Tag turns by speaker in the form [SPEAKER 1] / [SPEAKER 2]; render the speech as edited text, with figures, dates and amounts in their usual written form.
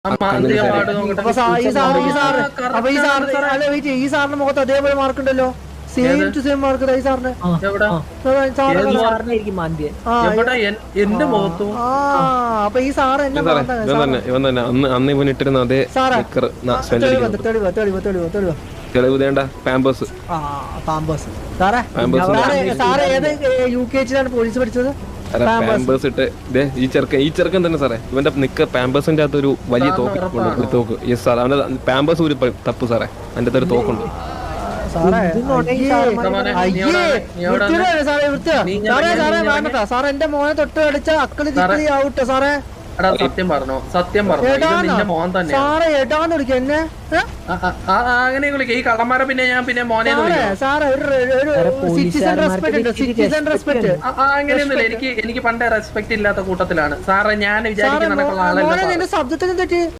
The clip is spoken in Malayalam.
[SPEAKER 1] ഈ സാറിന്റെ മുഖത്ത് അതേപോലെ മാർക്ക് ഉണ്ടല്ലോ. സെയിം ടു സെയിം മാർക്ക് ഈ സാറിന്. അപ്പൊ ഈ സാറ്
[SPEAKER 2] തെളിവ് വേണ്ട. പാമ്പേഴ്സ്
[SPEAKER 1] സാറേ ഏത് UKG-ലാണ് പോലീസ് പഠിച്ചത്?
[SPEAKER 2] പാമ്പേഴ്സ് ഇട്ട് ഈ ചെറുക്കൻ തന്നെ സാറേ. ഇവന്റെ നിക്ക പാമ്പേഴ്സിന്റെ അകത്ത് ഒരു വലിയ തോക്ക്. യെസ് സാർ, അവന്റെ പാമ്പേഴ്സ് ഒരു തപ്പ് സാറേ. അതിന്റെ അകത്ത് ഒരു തോക്കുണ്ട്.
[SPEAKER 1] സാറേ എന്റെ മോനെ തൊട്ട് കളിച്ച അക്കളി തിക്കളി ആവട്ടെ സാറേ.
[SPEAKER 3] സത്യം പറഞ്ഞു
[SPEAKER 1] സാറേ ഏട്ടാന്ന് വിളിക്ക എന്നെ
[SPEAKER 3] അങ്ങനെ വിളിക്കാം. ഈ കള്ളന്മാരെ പിന്നെ മോനെ അങ്ങനെയൊന്നുമില്ല. എനിക്ക് പണ്ടേ റെസ്പെക്ട് ഇല്ലാത്ത കൂട്ടത്തിലാണ് സാറേ. ഞാൻ വിചാരിക്കുന്ന
[SPEAKER 1] ശബ്ദത്തിന് തെറ്റി